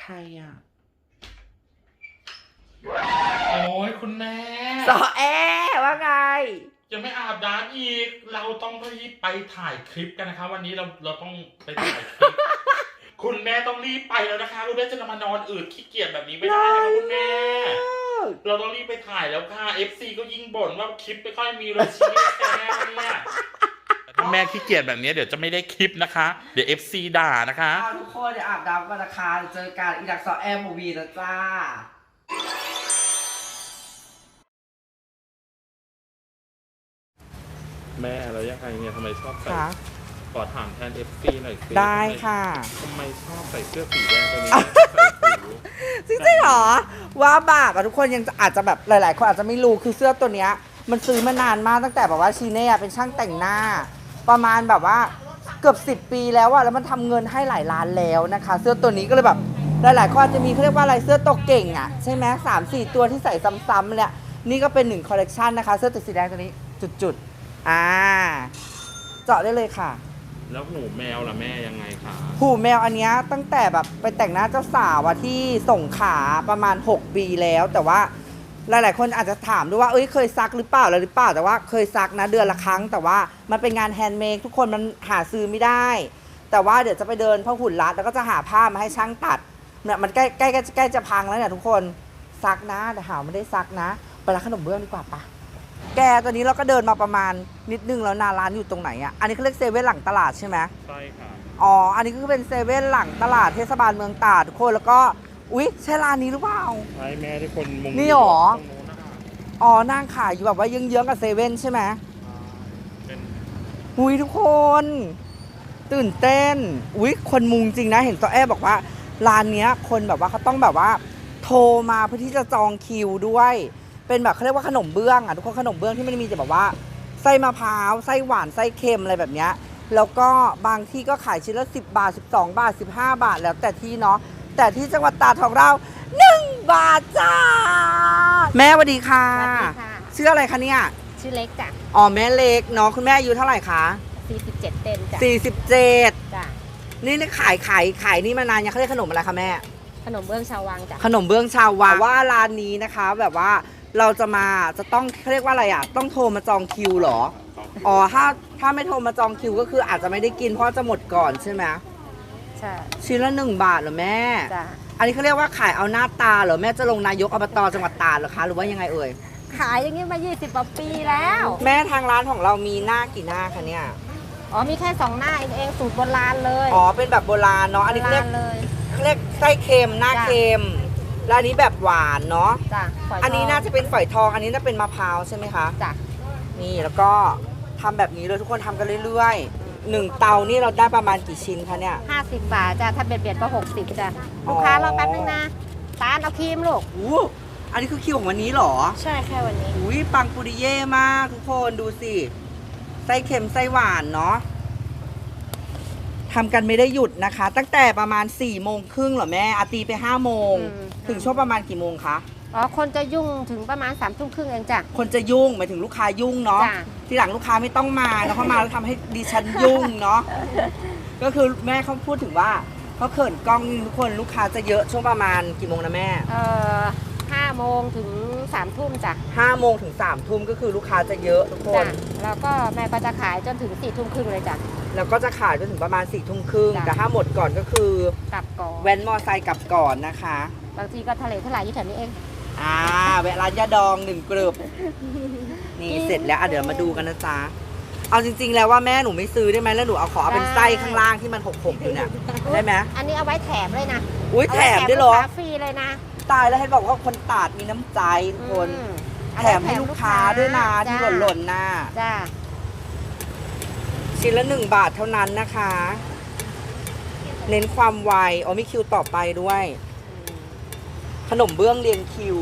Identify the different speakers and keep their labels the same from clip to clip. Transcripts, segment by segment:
Speaker 1: รอ่ะโอ้ยคุณแม่
Speaker 2: สอแอว่าไง
Speaker 1: ยังไม่อาบน้ำอีกเราต้องรีบไปถ่ายคลิปกันนะคะวันนี้เราต้องไปถ่ายคลิป คุณแม่ต้องรีบไปแล้วนะคะคุณแม่จะมานอนอืดขี้เกียจแบบนี้ไม่ได้นะคะคุณแม่เราต้องรีบไปถ่ายแล้วค่ะ FC ก็ยิ่งบ่นว่าคลิปไม่ค่อยมีเลยชีวิตแกเนี่ยคุณแม่ขี้เกียจแบบนี้เดี๋ยวจะไม่ได้คลิปนะคะเดี๋ยว FC ด่านะคะ
Speaker 2: ทุกคนเดี๋ยวอาบน้ำกันนะคะเจอกันอีดักสอแอมูวีนะจ้า
Speaker 1: แม่แล้วยังไงเนี่ยทำไมชอบใส่ขอถามแทน FC หน่อยสิ
Speaker 2: ได้ค่ะ
Speaker 1: ทำไมชอบใส่เสื้อสีแดงตัวนี้
Speaker 2: จริงๆหรอว่าบาปอะทุกคนยังอาจจะแบบหลายๆคนอาจจะไม่รู้คือเสื้อตัวเนี้ยมันซื้อมานานมากตั้งแต่แบบว่าชีเน่เป็นช่างแต่งหน้าประมาณแบบว่าเกือบ10 ปีแล้วอะแล้วมันทำเงินให้หลายล้านแล้วนะคะเสื้อตัวนี้ก็เลยแบบหลายๆคนอาจจะมีเขาเรียกว่าอะไรเสื้อตัวเก่งอะใช่ไหม3-4 ตัวที่ใส่ซ้ำๆเนี่ยนี่ก็เป็น1 คอลเลกชันนะคะเสื้อตัวสีแดงตัวนี้จุดๆเจาะได้เลยค่ะ
Speaker 1: แล้วหูแมวล่ะแม่ยังไงคะ
Speaker 2: หูแมวอันนี้ตั้งแต่แบบไปแต่งหน้าเจ้าสาวที่ส่งขาประมาณ6 ปีแล้วแต่ว่าหลายๆคนอาจจะถามด้วยว่าเคยซักหรือเปล่าหรือเปล่าแต่ว่าเคยซักนะเดือนละครั้งแต่ว่ามันเป็นงานแฮนด์เมดทุกคนมันหาซื้อไม่ได้แต่ว่าเดี๋ยวจะไปเดินพ่อหุ่นรัดแล้วก็จะหาผ้ามาให้ช่างตัดเนี่ยมันใกล้จะพังแล้วเนี่ยทุกคนซักนะแต่หาไม่ได้ซักนะไปร้านขนมเบื้องดีกว่าปะแกตอนนี้เราก็เดินมาประมาณนิดนึงแล้วนาร้านอยู่ตรงไหนอ่ะอันนี้เขาเรียกเซเว่นหลังตลาดใช่ไหม
Speaker 1: ใช่ค่ะ
Speaker 2: อ๋ออันนี้ก็เป็นเซเว่นหลังตลาดเทศบาลเมืองตราดทุกคนแล้วก็อุ๊ยใช่ร้านนี้หรือเปล่า
Speaker 1: ใช่แม่ที่คนมุง
Speaker 2: นี่หรออ๋อนั่งขายอยู่แบบว่าเยื้องๆกับเซเว่นใช่ไหมอุ๊ยทุกคนตื่นเต้นอุ๊ยคนมุงจริงนะเห็นตัวแอบบอกว่าร้านนี้คนแบบว่าเขาต้องแบบว่าโทรมาเพื่อที่จะจองคิวด้วยเป็นแบบเขาเรียกว่าขนมเบื้องอ่ะทุกคนขนมเบื้องที่ไม่ได้มีแต่แบบว่าไส้มะพร้าวไส้หวานไส้เค็มอะไรแบบเนี้ยแล้วก็บางที่ก็ขายชิ้นละ10 บาท12 บาท15 บาทแล้วแต่ที่เนาะแต่ที่จังหวัดตราดของเรา1 บาทจ้าแม่สวัสดีค่ะชื่ออะไรคะเนี่ย
Speaker 3: ชื่อเล็กจ้ะ
Speaker 2: อ๋อแม่เล็กเนาะคุณแม่อายุเท่าไหร่คะ
Speaker 3: 47เต็มจ้ะ
Speaker 2: 47
Speaker 3: จ้ะ
Speaker 2: นี่ขายนี่มานานยังเขาเรียกขนมอะไรคะแม่
Speaker 3: ขนมเบื้องชาววังจ้ะ
Speaker 2: ขนมเบื้องชาววังว่าร้านนี้นะคะแบบว่าเราจะต้องเขาเรียกว่าอะไรอ่ะต้องโทรมาจองคิวเหรออ๋อถ้าไม่โทรมาจองคิวก็คืออาจจะไม่ได้กินเพราะจะหมดก่อนใช่ไหม
Speaker 3: ใช่
Speaker 2: ชิ้นละ1 บาทเหรอแม่
Speaker 3: จ้ะ
Speaker 2: อันนี้เขาเรียกว่าขายเอาหน้าตาเหรอแม่จะลงนายกอบตจังหวัดตราดเหรอคะหรือว่ายังไงเอ่ย
Speaker 3: ขายอย่างนี้มา20 กว่าปีแล้ว
Speaker 2: แม่ทางร้านของเรามีหน้ากี่หน้าคะเนี่ย
Speaker 3: อ๋อมีแค่2 หน้าเองสูตรโบราณเลย
Speaker 2: อ๋อเป็นแบบโบราณเนาะอันนี้เรียกไส้เค็มหน้าเค็มแล้วอันนี้แบบหวานเนาะ
Speaker 3: จ้ะ
Speaker 2: อันนี้น่าจะเป็นฝอยทองอันนี้น่าเป็นมะพร้าวใช่ไหมคะ
Speaker 3: จ้ะ
Speaker 2: นี่แล้วก็ทำแบบนี้เลยทุกคนทำกันเรื่อยๆ1 เตานี่เราได้ประมาณกี่ชิ้นคะเนี่ย
Speaker 3: 50 บาทจ้ะถ้าเบียดก็60จ้ะลูกค้ารอแป๊บนึงนะตาลเอาครีมลูก
Speaker 2: อันนี้คือคิวของวันนี้เหรอ
Speaker 3: ใช่แค่วันนี้
Speaker 2: อุ้ยปังปุริเย่มากทุกคนดูสิไส้เค็มไส้หวานเนาะทำกันไม่ได้หยุดนะคะตั้งแต่ประมาณ4 โมงครึ่งเหรอแม่อาตีไป5 โมงถึงช่วงประมาณกี่โมงคะ
Speaker 3: อ๋อคนจะยุ่งถึงประมาณ3 ทุ่มครึ่งเองจ้ะ
Speaker 2: คนจะยุ่งหมายถึงลูกค้ายุ่งเนาะทีหลังลูกค้าไม่ต้องมาแล้วเขามาแล้วทำให้ดิฉันยุ่งเนาะก็คือแม่เขาพูดถึงว่าเขาเขินกล้องทุกคนลูกค้าจะเยอะช่วงประมาณกี่โมงนะแม่
Speaker 3: 5 โมงถึง3 ทุ่มจ้ะ
Speaker 2: 5 โมงถึง3 ทุ่มก็คือลูกค้าจะเยอะทุกคน
Speaker 3: แล้วก็แม่ก็จะขายจนถึง4 ทุ่มครึ่งเลยจ้ะ
Speaker 2: แล้วก็จะขายจนถึงประมาณ4 ทุ่มครึ่งแต่ถ้าหมดก่อนก็คือก
Speaker 3: ลับก่อน
Speaker 2: แว้นมอไซค์กลับก่อนนะคะ
Speaker 3: บางทีก็ทะเลทลายอยู่แถวนี้เอง
Speaker 2: แวะร้านยาดอง1 กรึบนี่เสร็จแล้วเดี๋ยวมาดูกันนะจ๊ะเอาจริงๆแล้วว่าแม่หนูไม่ซื้อได้ไหมแล้วหนูขอเป็นไส้ข้างล่างที่มันหกอยู่เนี่ยได้ไหม
Speaker 3: อันนี้เอาไว้แถมเลยนะ
Speaker 2: อุ้ยแถมได้หรอ
Speaker 3: ฟรีเลยนะ
Speaker 2: ตายแล้วเห็นบอกว่าคนตราดมีน้ำใจทุกคนแถมให้ลูกค้าด้วยนะที่หล่นๆนะ
Speaker 3: จ้า
Speaker 2: ชิ้นละ1 บาทเท่านั้นนะคะเน้นความไวมีคิวต่อไปด้วยขนมเบื้องเรียงคิว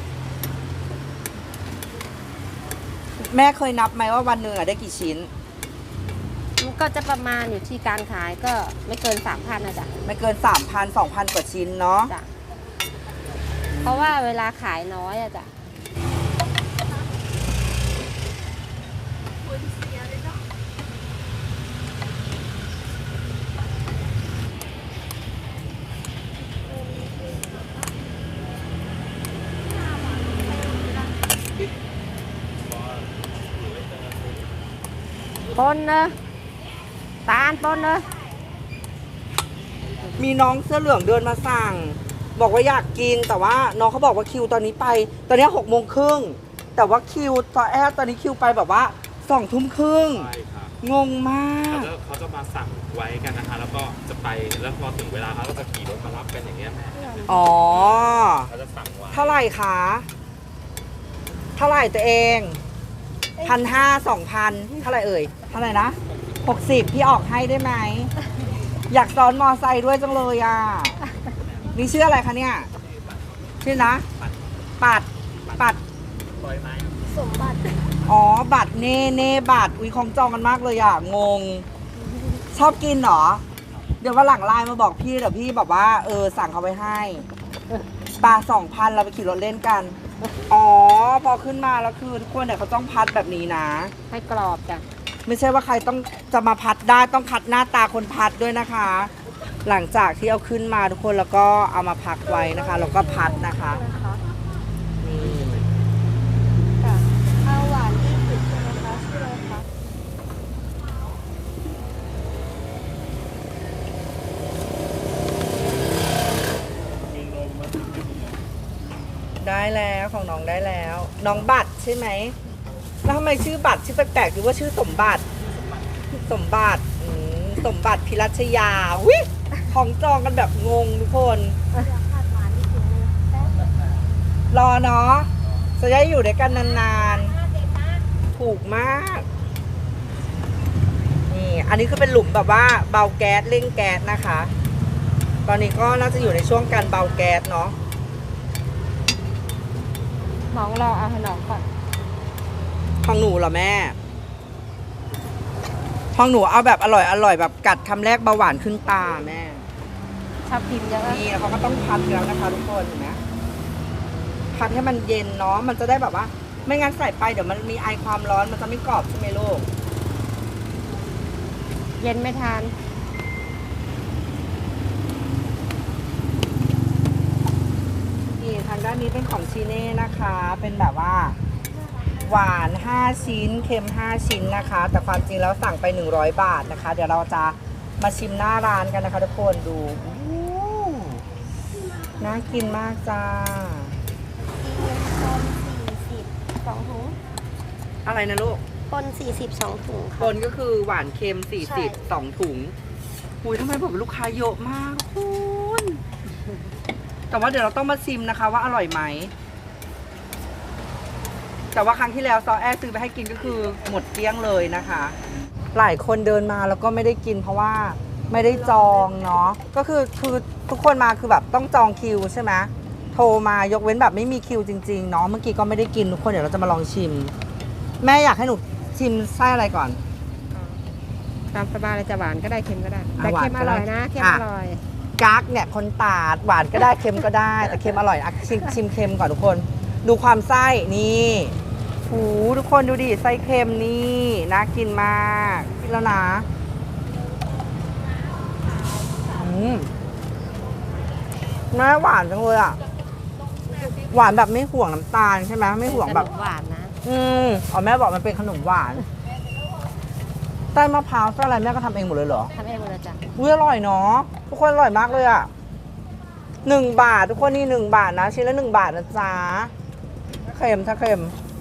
Speaker 2: แม่เคยนับไหมว่าวันหนึ่งได้กี่ชิ้น
Speaker 3: ก็จะประมาณอยู่ที่การขายก็ไม่เกิน 3,000นะจ๊ะ
Speaker 2: ไม่เกิน 3,000 2,000 กว่าชิ้นเนาะ
Speaker 3: เพราะว่าเวลาขายน้อยอะจ้ะปนเนอะตาลปนเนอะ
Speaker 2: มีน้องเสื้อเหลืองเดินมาสั่ง บอกว่าอยากกินแต่ว่าน้องเขาบอกว่าคิวตอนนี้ไป ตอนนี้6:30แต่ว่าคิวตอนนี้คิวไปแบบว่า20:30
Speaker 1: ใช่ครับ
Speaker 2: งงมาก
Speaker 1: เขาจะมาสั่งไว้กันนะคะ แล้วก็จะไปแล้วพอถึงเวลาเขาก็จะขี่รถมารับกันอย่างเงี้ยแม่
Speaker 2: อ๋อ
Speaker 1: เขาจะสั่งไว้
Speaker 2: เท่าไหร่คะเท่าไหร่ตัวเอง1,500 2,000เท่าไหร่เอ่ยเท่าไหร่นะ60พี่ออกให้ได้ไหมอยากซ้อนมอไซค์ด้วยจังเลยอ่ะนี่ชื่ออะไรคะเนี่ยชื่อนะปัด
Speaker 3: สมบัติ
Speaker 2: อ๋อบัตรเน่บัตรอุ้ยของจองกันมากเลยอ่ะงง ชอบกินเหรอ เดี๋ยววันหลังไลน์มาบอกพี่เดี๋ยวพี่แบบว่าสั่งเขาไปให้ปลา2,000เราไปขี่รถเล่นกันอ๋อพอขึ้นมาแล้วคือทุกคนเนี่ยเขาต้องพัดแบบนี้นะ
Speaker 3: ให้กรอบจ้ะ
Speaker 2: ไม่ใช่ว่าใครต้องจะมาพัดได้ต้องคัดหน้าตาคนพัดด้วยนะคะ หลังจากที่เอาขึ้นมาทุกคนแล้วก็เอามาพักไว้นะคะแล้วก็พัดนะคะนี่
Speaker 3: เอาหวาน20ใช่ไหมคะชื่ออะไรคะ
Speaker 2: ได้แล้วของน้องได้แล้ว น้องบัตรใช่ไหมแล้วทำไมชื่อบัตรชื่อแปลกๆหรือว่าชื่อสมบัติสมบัติสมบัติพิรัชยาวิของจองกันแบบงงทุกคน รอเนาะจะได้อยู่ด้วยกันนานๆถูกมากนี่อันนี้คือเป็นหลุมแบบว่าเบาแก๊สเร่งแก๊สนะคะ ตอนนี้ก็น่าจะอยู่ในช่วงการเบาแก๊สเนาะ
Speaker 3: น้องรอเอาให้น้องก่อน
Speaker 2: ของหนูเหรอแม่ของหนูเอาแบบอร่อยแบบกัดคำแรกเบาหวานขึ้นตาแม่
Speaker 3: ชอบพิมพ์เยอะ
Speaker 2: นี่แล้วเขาก็ต้องพัดแล้วนะคะทุกคนเห็นไหมพัดให้มันเย็นเนาะมันจะได้แบบว่า ไม่งั้นใส่ไปเดี๋ยวมันมีไอความร้อนมันจะไม่กรอบใช่ไหมลูก
Speaker 3: เย็นไม่ทาน
Speaker 2: นี่ทางด้านนี้เป็นของชีเน่นะคะ เป็นแบบว่า หวาน5ชิ้นเค็ม5ชิ้นนะคะ แต่ความจริงแล้วสั่งไป100 บาทนะคะ เดี๋ยวเราจะมาชิมหน้าร้านกันนะคะทุกคนดูน่ากินมากจ้า
Speaker 3: ปน40 2 ถุง
Speaker 2: อะไรนะลูก
Speaker 3: ปน40 2 ถุง
Speaker 2: ค
Speaker 3: ค่ะ
Speaker 2: นก็คือหวานเค็ม
Speaker 3: ใช่
Speaker 2: 40 2 ถุงอุ้ยทำไมผมลูกค้าเยอะมากคุณแต่ว่าเดี๋ยวเราต้องมาชิมนะคะว่าอร่อยไหม แต่ว่าครั้งที่แล้วซอแอซื้อไปให้กินก็คือหมดเกลี้ยงเลยนะคะ หลายคนเดินมาแล้วก็ไม่ได้กินเพราะว่าไม่ได้จองเนาะก็คือทุกคนมาคือแบบต้องจองคิวใช่ไหมโทรมายกเว้นแบบไม่มีคิวจริงๆเนาะเมื่อกี้ก็ไม่ได้กินทุกคนเดี๋ยวเราจะมาลองชิม แม่อยากให้หนูชิมไส้อะไรก่อน
Speaker 3: ตามสบายเลยจะหวานก็ได้เค็มก็ได้
Speaker 2: อ่ะ
Speaker 3: แต่เค็ม
Speaker 2: หวาน
Speaker 3: อ
Speaker 2: ก็ได้
Speaker 3: ร่อยนะเค็ม
Speaker 2: อ่ะ
Speaker 3: อร่อย
Speaker 2: กั๊กเนี่ยคนตาดหวานก็ได้เค็มก็ได้ แต่เค็มอร่อยอ่ะชิมเค็มก่อนทุกคน ดูความไส้นี่หูทุกคนดูดิไส้เค็มนี่น่ากินมากกินแล้วนะน่าหวานจังเลยอ่ะหวานแบบไม่ห่วงน้ำตาลใช่ไหมไม่ห่วงแบบ
Speaker 3: ขนมหวานนะ
Speaker 2: อ๋อแม่บอกมันเป็นขนมหวานไส้มะพร้าวไส้อะไรแม่ก็ทำเองหมดเลยเหรอ
Speaker 3: ทำเองหมดเลยจ้ะ
Speaker 2: อุ้ยอร่อยเนาะทุกคนอร่อยมากเลยอ่ะ1 บาททุกคนนี่1 บาทนะชิ้นละ1 บาทนะจ๊ะเค็มถ้าเค็ม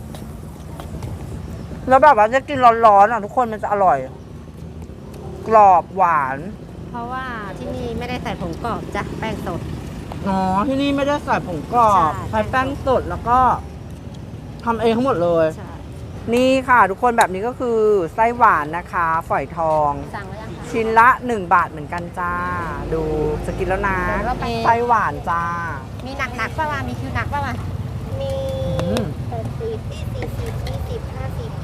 Speaker 2: แล้วแบบว่าจะกินร้อนๆอ่ะทุกคนมันจะอร่อย กรอบหวาน
Speaker 3: เพราะว่าที่นี่ไม่ได้ใส่ผงกรอบจ้ะแป้งสด
Speaker 2: อ๋อที่นี่ไม่ได้ใส่ผงกรอบ
Speaker 3: ใช่
Speaker 2: ใช้แป้งสดแล้วก็ทำเองทั้งหมดเลย
Speaker 3: ใช่
Speaker 2: นี่ค่ะทุกคนแบบนี้ก็คือไส้หวานนะคะฝอยทอง
Speaker 3: สั่งแล้วยังคะ
Speaker 2: ชิ้นละ1 บาทเหมือนกันจ้า ดูจะกินแล้วนะ
Speaker 3: เดี๋ยวเราไป
Speaker 2: ไส้หวานจ้า
Speaker 3: มีหนักๆป่าวะมีคิวหนักป่าวะ
Speaker 4: มี
Speaker 2: อืม
Speaker 4: 80 40 20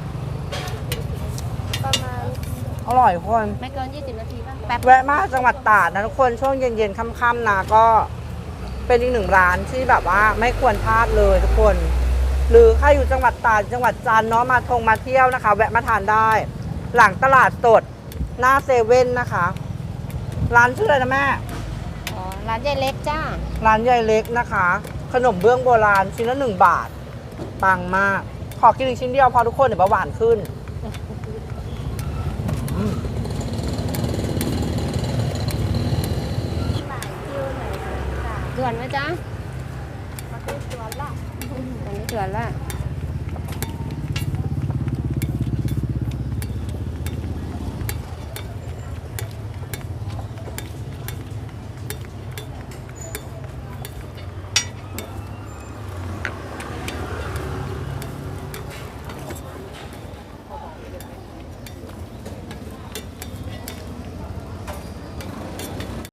Speaker 4: 50 ประมาณ
Speaker 2: อร่อยทุกคน
Speaker 3: ไม่เกิน20 นาทีป่ะแป๊บ
Speaker 2: แวะมาจังหวัดตราดนะทุกคนช่วงเย็นๆค่ำๆนะก็เป็นอีก1 ร้านที่แบบว่าไม่ควรพลาดเลยทุกคน หรือใครอยู่จังหวัดตราดจังหวัดจันทร์เนาะมาเที่ยวนะคะ แวะมาทานได้ หลังตลาดสดหน้าเซเว่นนะคะ ร้านชื่ออะไรนะแม่
Speaker 3: อ๋อร้านยายเล็กจ้า
Speaker 2: ร้านยายเล็กนะคะ ขนมเบื้องโบราณชิ้นละ1 บาทปังมาก ขอกินอีกชิ้นเดียวพอทุกคนเดี๋ยวเบาหวานขึ้น
Speaker 3: วนไหมจ๊ะ
Speaker 4: มาเป็นสวนละ
Speaker 3: ตอนนี้จวนละ